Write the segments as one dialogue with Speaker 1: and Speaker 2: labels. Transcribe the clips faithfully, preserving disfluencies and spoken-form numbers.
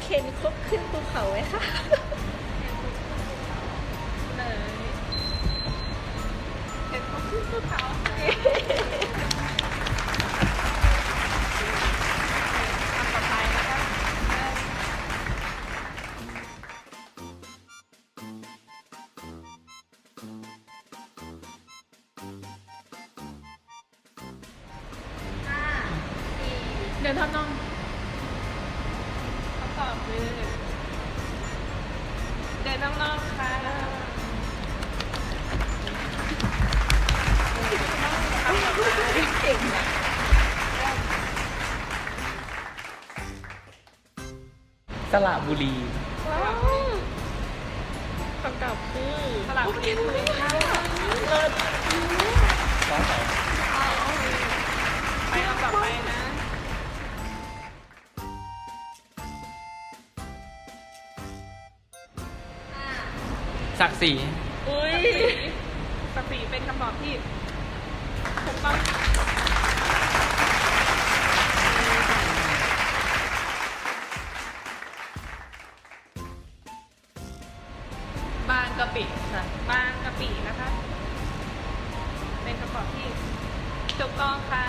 Speaker 1: เคนคบขึ้นภูเขาไหมคะ
Speaker 2: เลยเห็นเขาขึ้นภูเขาอันต่อไปนะคะเดินทำนองคำตอบคือเดินนอกๆค่ะ
Speaker 1: เก่งนะ
Speaker 3: สระบุรี
Speaker 1: ว้าวคำตอบคือ
Speaker 2: สลับเปลี่ยนเลยค่ะ
Speaker 1: เลิศ
Speaker 3: ฟ้าใส
Speaker 2: ไปลำต่อไปนะ
Speaker 3: ศักดิ์ศรี
Speaker 1: อุ้ย
Speaker 2: สปีเป็นคำตอบที่ถูกต้องบางกะปิค่ะบางกะปินะคะ เป็นคำตอบที่ถูกต้องค่ะ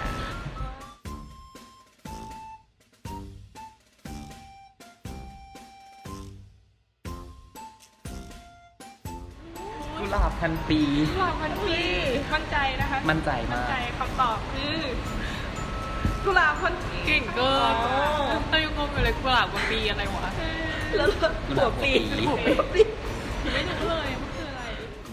Speaker 3: กุหลาบพันปี
Speaker 2: หลอกมันพี่มั่นใจนะคะ
Speaker 3: มั่นใจมาก
Speaker 2: มั่นใจคำตอบคือกุหลาบพันปี
Speaker 4: เก่งเกินเรายังงงอยู่เลยกุหลาบกับปีอะไรวะ
Speaker 1: แล้ว
Speaker 3: กุห
Speaker 1: หั
Speaker 3: ลาว บหัว
Speaker 1: ปี
Speaker 3: ปี
Speaker 1: หัวปี
Speaker 4: ไม่รู้เลยมันคืออะไร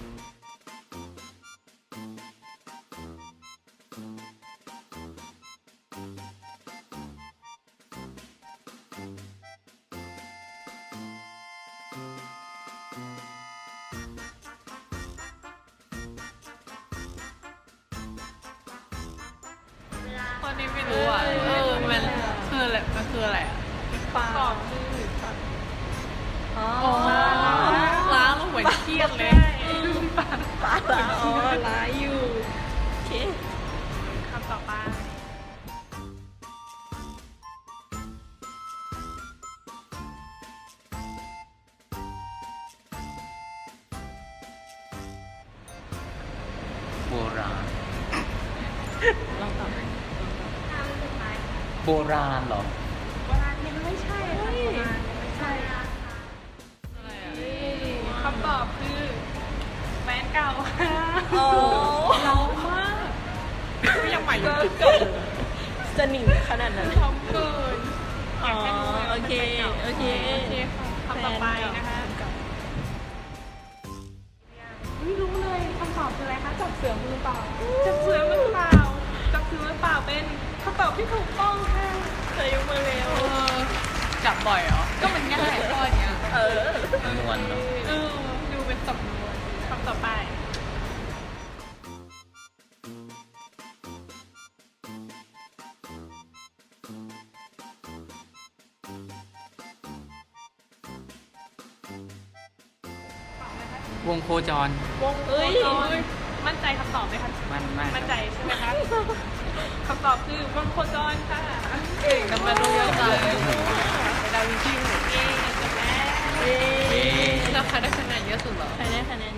Speaker 4: ตอนนี้ไม่รู้อ่ะ เออ มันคืออะไร มันคืออะไรอ่ะ
Speaker 1: ปลา
Speaker 2: ตอบคือ
Speaker 1: อ๋อ
Speaker 4: อ๋อล้างลงเหมือนเครียดเลย
Speaker 1: ปลาปลาอ๋อร้ายอยู่โอเค
Speaker 2: คำต่อไป
Speaker 3: โบราณ
Speaker 1: ลองตอบ
Speaker 3: โบราณเหรอ
Speaker 2: โบราณยังไม่ใช่ค่ะโบราณยังไม่ใช่
Speaker 4: อะไรอ่ะ
Speaker 2: คำตอบคือแฟนเก่าค่ะ
Speaker 1: อ๋อ
Speaker 4: เรามากก็ยังใหม่อยู่
Speaker 1: เกิดจะหนีขนาดนั้น
Speaker 2: ทำเกิน
Speaker 1: อ๋อโอเคโอเค
Speaker 2: โอเคค่ะคำต่อไปนะคะไม่รู้เลยคำตอบคืออะไรคะจับเสือมือเปล่าจับเสือมือเปล่าจับเสือมือเปล่าเป็นคำตอบที่ถูกต้องค่ะ
Speaker 1: เธอยกมือเร็ว
Speaker 4: เออจับบ่อยเหรอ ก็มันง่ายข้อเนี้ย
Speaker 1: เออ
Speaker 3: นวลเนาะ
Speaker 4: เออ ดูเป็นสำนวน
Speaker 2: คำต่อไปตอบไหมคะ
Speaker 3: วงโคจร
Speaker 2: วง
Speaker 1: เอ้ย
Speaker 2: โคจรมั่นใจคำตอบไหมคะ
Speaker 3: มันมาก
Speaker 2: มั่นใจใช่ไหมคะคำตอบคือวงโคจรค่ะ
Speaker 4: เก่งนะมาดูเยอะจัง
Speaker 2: ดาวินชีหมูเองจบแล้ว
Speaker 1: เย้
Speaker 3: เย้
Speaker 4: แล้วใครได้คะแนนเยอะสุดเหรอ
Speaker 1: ใครได้คะแนน